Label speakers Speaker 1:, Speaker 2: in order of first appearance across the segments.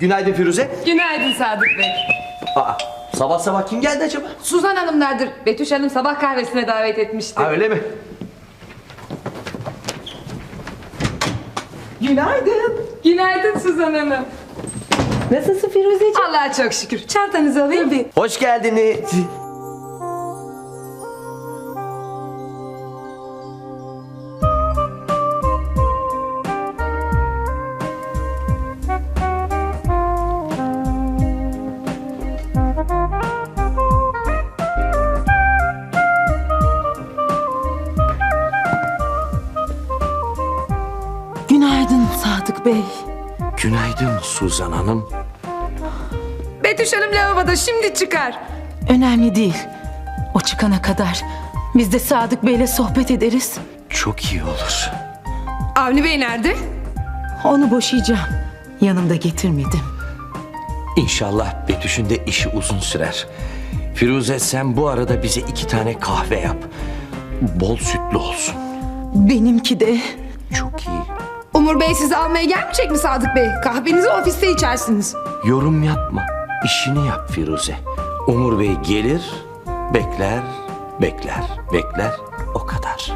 Speaker 1: Günaydın Firuze.
Speaker 2: Günaydın Sadık Bey.
Speaker 1: Aa, sabah sabah kim geldi acaba?
Speaker 2: Suzan Hanımlardır. Betüş Hanım sabah kahvesine davet etmişti.
Speaker 1: Ha, öyle mi?
Speaker 3: Günaydın.
Speaker 2: Günaydın Suzan Hanım.
Speaker 3: Nasılsın Firuzeciğim?
Speaker 2: Allah'a çok şükür. Çantanızı alayım.
Speaker 3: Tabii.
Speaker 1: Hoş geldiniz.
Speaker 3: Günaydın Sadık Bey.
Speaker 1: Günaydın Suzan Hanım.
Speaker 2: Betüş Hanım lavaboda, şimdi çıkar.
Speaker 3: Önemli değil. O çıkana kadar biz de Sadık Bey'le sohbet ederiz.
Speaker 1: Çok iyi olur.
Speaker 2: Avni Bey nerede?
Speaker 3: Onu boşayacağım. Yanımda getirmedim.
Speaker 1: İnşallah Betüş'ün de işi uzun sürer. Firuze, sen bu arada bize 2 tane kahve yap. Bol sütlü olsun.
Speaker 3: Benimki de.
Speaker 1: Çok iyi.
Speaker 2: Umur Bey sizi almaya gelmeyecek mi Sadık Bey? Kahvenizi ofiste içersiniz.
Speaker 1: Yorum yapma. İşini yap Firuze. Umur Bey gelir, bekler, bekler. O kadar.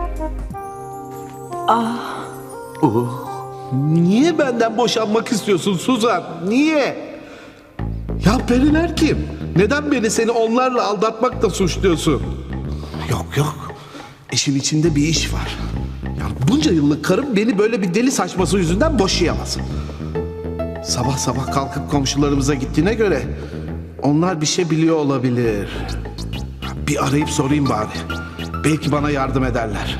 Speaker 4: Niye benden boşanmak istiyorsun Suzan? Niye? Ya periler kim? Neden beni seni onlarla aldatmakla suçluyorsun? Yok. İşin içinde bir iş var. Yani bunca yıllık karım beni böyle bir deli saçması yüzünden boşayamaz. Sabah sabah kalkıp komşularımıza gittiğine göre onlar bir şey biliyor olabilir. Bir arayıp sorayım bari. Belki bana yardım ederler.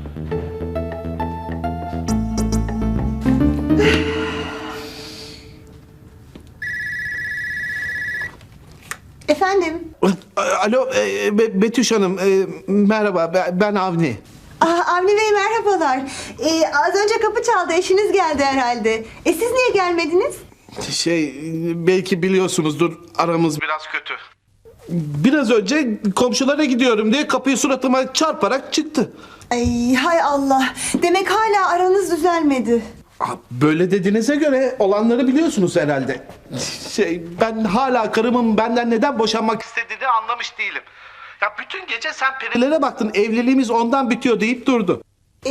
Speaker 5: Efendim?
Speaker 4: Alo Betüş Hanım, merhaba, ben Avni.
Speaker 5: Avni Bey merhabalar. Az önce kapı çaldı, eşiniz geldi herhalde. Siz niye gelmediniz?
Speaker 4: Belki biliyorsunuzdur, aramız biraz kötü. Biraz önce komşulara gidiyorum diye kapıyı suratıma çarparak çıktı.
Speaker 5: Ay hay Allah. Demek hala aranız düzelmedi.
Speaker 4: Böyle dediğinize göre olanları biliyorsunuz herhalde. Ben hala karımın benden neden boşanmak istediğini anlamış değilim. Ya bütün gece sen perilere baktın, evliliğimiz ondan bitiyor deyip durdu.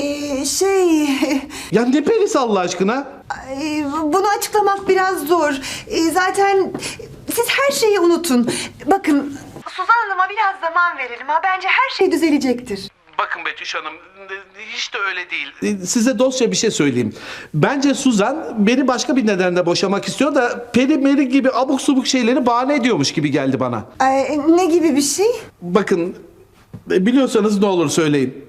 Speaker 4: Ya ne perisi Allah aşkına?
Speaker 5: Bunu açıklamak biraz zor. Zaten siz her şeyi unutun. Bakın Suzan Hanım'a biraz zaman verelim ha. Bence her şey düzelecektir.
Speaker 4: Bakın Betüş Hanım, hiç de öyle değil. Size dostça bir şey söyleyeyim. Bence Suzan beni başka bir nedenle boşamak istiyor da peri meri gibi abuk subuk şeyleri bahane ediyormuş gibi geldi bana.
Speaker 5: Ne gibi bir şey?
Speaker 4: Bakın, biliyorsanız ne olur söyleyin.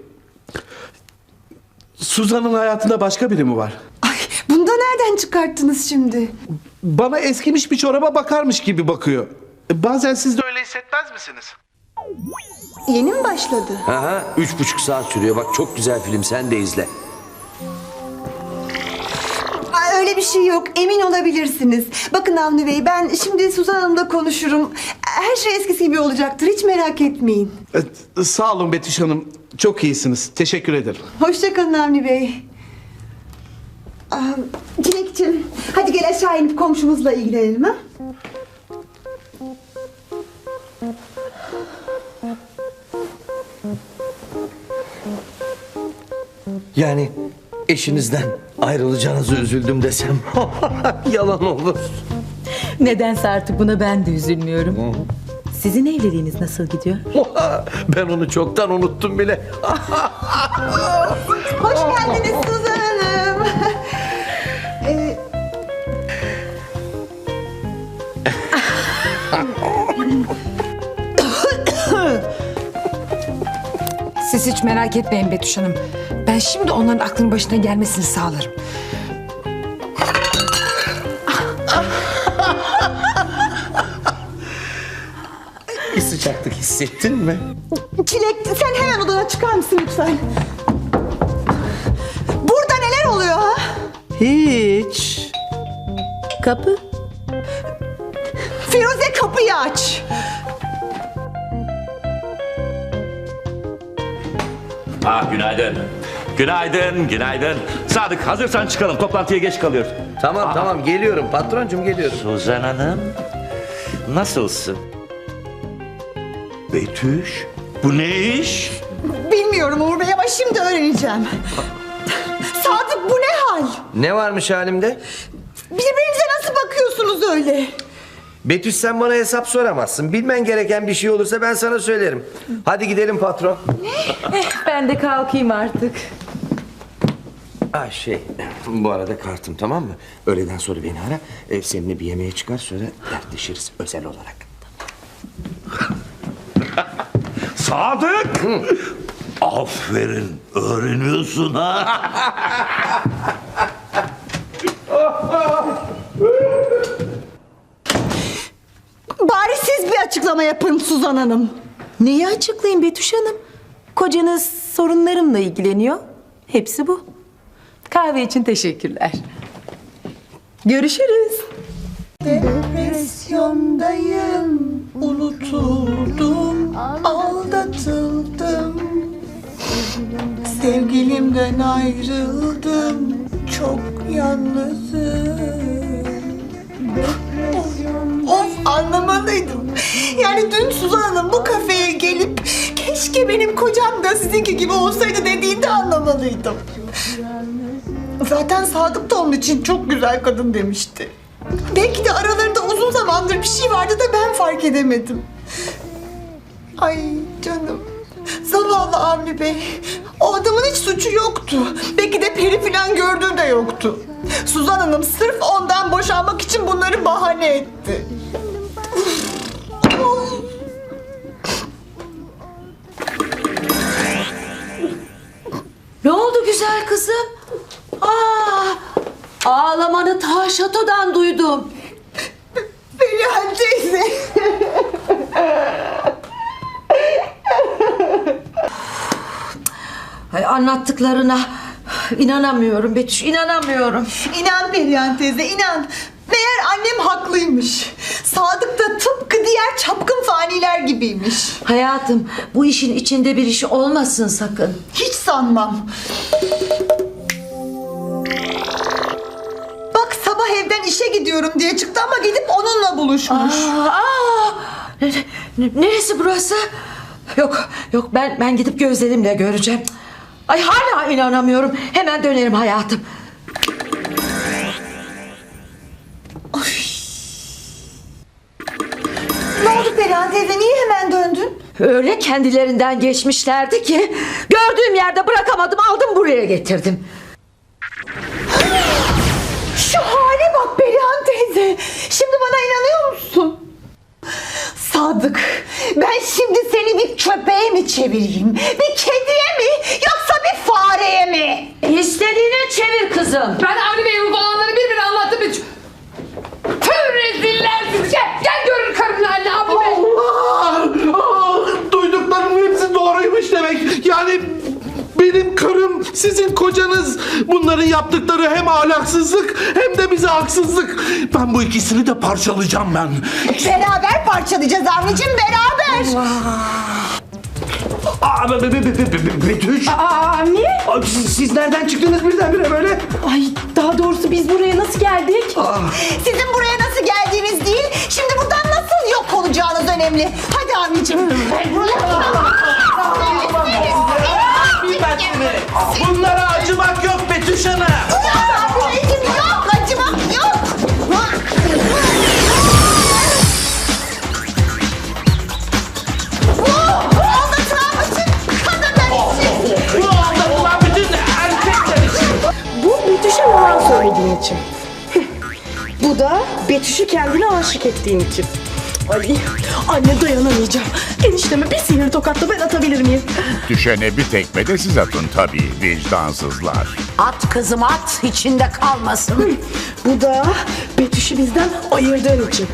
Speaker 4: Suzan'ın hayatında başka biri mi var?
Speaker 5: Ay, bunu da nereden çıkarttınız şimdi?
Speaker 4: Bana eskimiş bir çoraba bakarmış gibi bakıyor. Bazen siz de öyle hissetmez misiniz?
Speaker 5: Yeni mi başladı?
Speaker 1: Aha, 3,5 saat sürüyor. Bak, çok güzel film, sen de izle.
Speaker 5: Öyle bir şey yok. Emin olabilirsiniz. Bakın Avni Bey, ben şimdi Suzan Hanım'la konuşurum. Her şey eskisi gibi olacaktır. Hiç merak etmeyin.
Speaker 4: Sağ olun Betüş Hanım. Çok iyisiniz. Teşekkür ederim.
Speaker 5: Hoşça kalın Avni Bey. Çilekciğim, hadi gel aşağı inip komşumuzla ilgilenelim ha.
Speaker 1: Yani eşinizden ayrılacağınızı üzüldüm desem yalan olur.
Speaker 3: Nedense artık buna ben de üzülmüyorum. Sizin evliliğiniz nasıl gidiyor?
Speaker 1: Ben onu çoktan unuttum bile.
Speaker 5: Hoş geldiniz Suzan Hanım.
Speaker 2: Siz hiç merak etmeyin Betüş Hanım. Ben şimdi onların aklının başına gelmesini sağlarım.
Speaker 1: Bir sıcaklık hissettin mi?
Speaker 5: Çilek, sen hemen odana çıkar mısın lütfen? Burada neler oluyor ha?
Speaker 1: Hiç.
Speaker 3: Kapı.
Speaker 5: Firuze, kapıyı aç.
Speaker 6: Günaydın. Günaydın, günaydın. Sadık hazırsan çıkalım. Toplantıya geç kalıyoruz.
Speaker 1: Tamam geliyorum patroncum geliyorum.
Speaker 6: Suzan Hanım, nasılsın? Betüş, bu ne iş?
Speaker 5: Bilmiyorum Uğur Bey ama şimdi öğreneceğim. Sadık bu ne hal?
Speaker 1: Ne varmış halimde?
Speaker 5: Birbirinize nasıl bakıyorsunuz öyle?
Speaker 1: Betüş sen bana hesap soramazsın. Bilmen gereken bir şey olursa ben sana söylerim. Hadi gidelim patron.
Speaker 3: Ben de kalkayım artık.
Speaker 1: Bu arada kartım tamam mı? Öğleden sonra beni ara. Seninle bir yemeğe çıkar sonra dertleşiriz özel olarak.
Speaker 6: Sadık! Aferin, öğreniyorsun ha.
Speaker 5: Bari siz bir açıklama yapın Suzan Hanım.
Speaker 3: Neyi açıklayayım Betüş Hanım? Kocanız sorunlarımla ilgileniyor. Hepsi bu. Kahve için teşekkürler. Görüşürüz.
Speaker 5: Depresyondayım, unutuldum, aldatıldım. Sevgilimden ayrıldım, çok yalnızım. Of anlamalıydım. Yani dün Suzan Hanım bu kafeye gelip keşke benim kocam da sizinki gibi olsaydı dediğinde anlamalıydım. Zaten Sadık da onun için çok güzel kadın demişti. Belki de aralarında uzun zamandır bir şey vardı da ben fark edemedim. Ay canım. Zavallı Avni Bey. O adamın hiç suçu yoktu. Belki de peri falan gördüğü de yoktu. Suzan Hanım sırf ondan boşanmak için bunları bahane etti.
Speaker 7: Ne oldu güzel kızım? Ağlamanı ta şatodan duydum.
Speaker 5: Perihan teyze.
Speaker 7: Ay, anlattıklarına inanamıyorum Betüş, inanamıyorum.
Speaker 5: İnan Perihan teyze inan. Meğer annem haklıymış. Sadık da tıpkı diğer çapkın faniler gibiymiş.
Speaker 7: Hayatım, bu işin içinde bir iş olmasın sakın.
Speaker 5: Hiç sanmam. Bak sabah evden işe gidiyorum diye çıktı ama gidip onunla buluşmuş.
Speaker 7: Neresi burası? Yok ben gidip gözlerimle göreceğim. Ay hala inanamıyorum. Hemen dönerim hayatım.
Speaker 5: Ne oldu Perihan teyze niye hemen döndün?
Speaker 7: Öyle kendilerinden geçmişlerdi ki gördüğüm yerde bırakamadım, aldım buraya getirdim.
Speaker 5: Şu hale bak Perihan teyze. Şimdi bana inanıyor musun? Sadık, ben şimdi seni bir köpeğe mi çevireyim? Bir kediye mi? Yoksa bir fareye mi?
Speaker 7: İstediğine çevir kızım.
Speaker 2: Ben Avni Bey'e bu falanları birbirine anlattım. Tüm reziller sizi. Gel görün karının halini Avni Bey.
Speaker 4: Duyduklarımın hepsi doğruymuş demek. Yani benim karım, sizin kocanız. Bunların yaptıkları hem ahlaksızlık hem de bize haksızlık. Ben bu ikisini de parçalayacağım ben.
Speaker 5: Beraber parçalayacağız Avni'cim beraber.
Speaker 1: Betüş.
Speaker 3: Avni?
Speaker 1: Siz nereden çıktınız birdenbire böyle?
Speaker 3: Ay daha doğrusu biz buraya nasıl geldik?
Speaker 5: Sizin buraya nasıl geldiğiniz değil, şimdi buradan nasıl yok olacağınız önemli. Hadi Avni'cim.
Speaker 1: Bunlara acımak yok Betüş Hanım.
Speaker 5: Avni'cim yok, acımak yok.
Speaker 8: Bu Betüş'e yalan söylediğin için. Bu da Betüş'ü kendine aşık ettiğin için. Ay anne dayanamayacağım. Enişteme bir sihir tokatla ben atabilir miyim?
Speaker 9: Düşene bir tekme de siz atın tabii vicdansızlar.
Speaker 7: At kızım at, içinde kalmasın.
Speaker 8: Bu da Betüş'ü bizden ayırdığın için.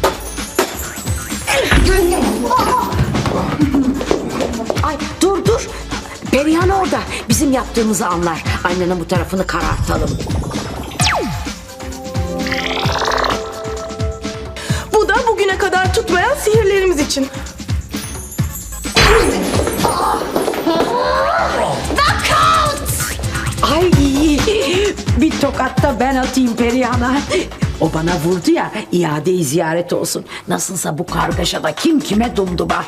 Speaker 7: Ay dur. Perihan orada. Bizim yaptığımızı anlar. Annenin bu tarafını karartalım.
Speaker 8: Bu da bugüne kadar tutmayan sihirlerimiz için.
Speaker 5: Knockout!
Speaker 7: Ay bir tokat da ben atayım Perihan'a. O bana vurdu ya, iade-i ziyaret olsun. Nasılsa bu kargaşada kim kime dumduba.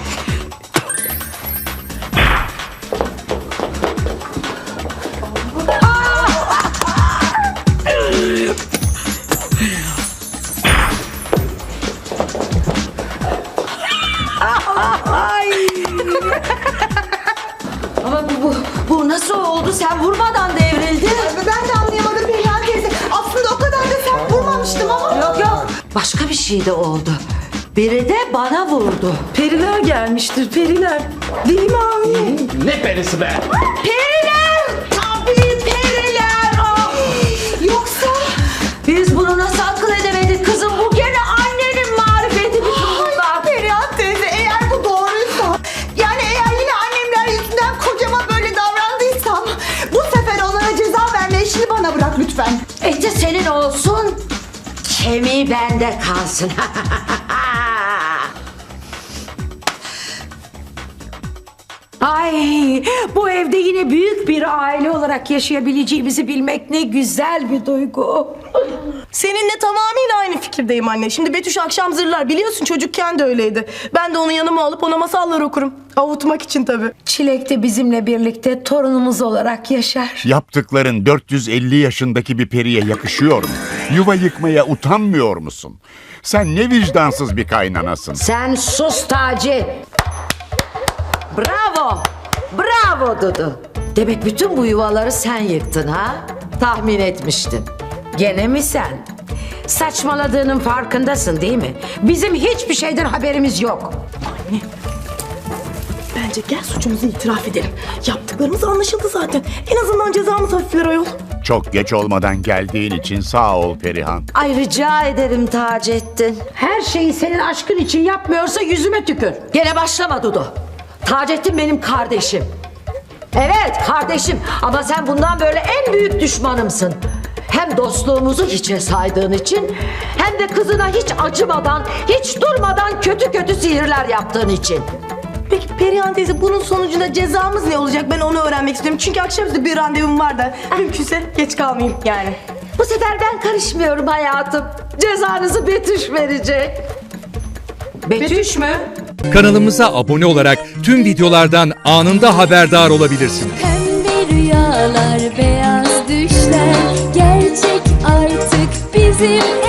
Speaker 7: Ama bu nasıl oldu? Sen vurmadan devrildi.
Speaker 5: Ben de anlayamadım Perihan teyze. Aslında o kadar da sert vurmamıştım ama.
Speaker 7: Yok. Başka bir şey de oldu. Biri de bana vurdu.
Speaker 3: Periler gelmiştir, periler. Değil mi Avni?
Speaker 6: Ne perisi be?
Speaker 7: Periler! Tabii periler! Ah!
Speaker 5: Yoksa...
Speaker 7: Biz bunu nasıl akıl edemedik kızım? Bu gene annenin marifeti bütün bunlar.
Speaker 5: Perihan teyze eğer bu doğruysa... Yani eğer yine annemler yüzünden kocama böyle davrandıysam... Bu sefer onlara ceza verme işini bana bırak lütfen.
Speaker 7: Eti senin olsun, kemiği bende kalsın. Ay, bu evde yine büyük bir aile olarak yaşayabileceğimizi bilmek ne güzel bir duygu.
Speaker 8: Seninle tamamıyla aynı fikirdeyim anne. Şimdi Betüş akşam zırlar. Biliyorsun çocukken de öyleydi. Ben de onu yanıma alıp ona masallar okurum. Avutmak için tabii.
Speaker 7: Çilek de bizimle birlikte torunumuz olarak yaşar.
Speaker 9: Yaptıkların 450 yaşındaki bir periye yakışıyor mu? Yuva yıkmaya utanmıyor musun? Sen ne vicdansız bir kaynanasın.
Speaker 7: Sen sus Taci. Bravo. Bravo Dudu. Demek bütün bu yuvaları sen yıktın ha? Tahmin etmiştin. Gene mi sen? Saçmaladığının farkındasın değil mi? Bizim hiçbir şeyden haberimiz yok.
Speaker 8: Bence gel suçumuzu itiraf edelim. Yaptıklarımız anlaşıldı zaten. En azından cezamız hafifler ayol.
Speaker 9: Çok geç olmadan geldiğin için sağ ol Perihan.
Speaker 7: Ay rica ederim Taceddin. Her şeyi senin aşkın için yapmıyorsa yüzüme tükür. Gene başlama Dudu. Taceddin benim kardeşim. Evet kardeşim ama sen bundan böyle en büyük düşmanımsın. Hem dostluğumuzu hiçe saydığın için hem de kızına hiç acımadan, hiç durmadan kötü kötü sihirler yaptığın için.
Speaker 8: Peki Perihan teyze bunun sonucunda cezamız ne olacak? Ben onu öğrenmek istiyorum. Çünkü akşamüstü bir randevum var da. Mümkünse geç kalmayayım yani.
Speaker 7: Bu sefer ben karışmıyorum hayatım. Cezanızı Betüş verecek. Betüş mü?
Speaker 10: Kanalımıza abone olarak tüm videolardan anında haberdar olabilirsiniz.
Speaker 11: Pembe rüyalar, beyaz düşler gerçek artık bizim